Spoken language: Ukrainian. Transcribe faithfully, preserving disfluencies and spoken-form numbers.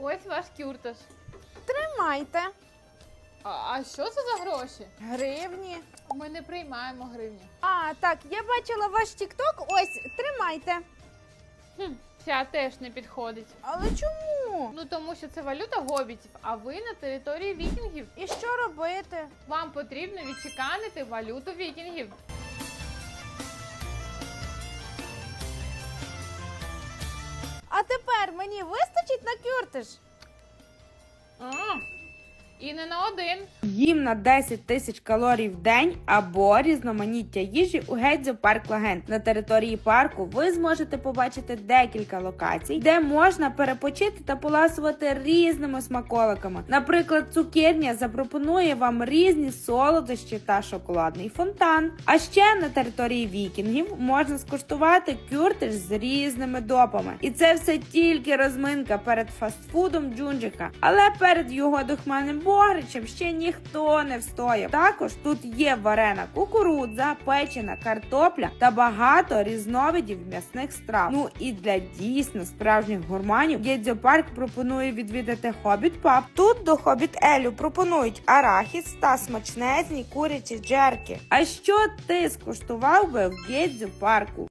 Ось ваш кюрташ. Тримайте. А, а що це за гроші? Гривні. Ми не приймаємо гривні. А, так, я бачила ваш тік-ток. Ось, тримайте. Хм, ця теж не підходить. Але чому? Ну тому що це валюта гобітів, а ви на території вікінгів. І що робити? Вам потрібно відчеканити валюту вікінгів. А тепер мені вистачить на кюртиш? А, і не на один. Їм на десять тисяч калорій в день або різноманіття їжі у Гедзо Парк Лагент. На території парку ви зможете побачити декілька локацій, де можна перепочити та поласувати різними смаколиками. Наприклад, цукерня запропонує вам різні солодощі та шоколадний фонтан. А ще на території вікінгів можна скуштувати кюртиш з різними допами. І це все тільки розминка перед фастфудом Джунджика. Але перед його духмяним богричем ще ніхто не встояв. Також тут є варена кукурудза, печена картопля та багато різновидів м'ясних страв. Ну і для дійсно справжніх гурманів Гедзо Парк пропонує відвідати Хобіт Паб. Тут до Хобіт Елю пропонують арахіс та смачнезні курячі джерки. А що ти скуштував би в Гедзо Парку?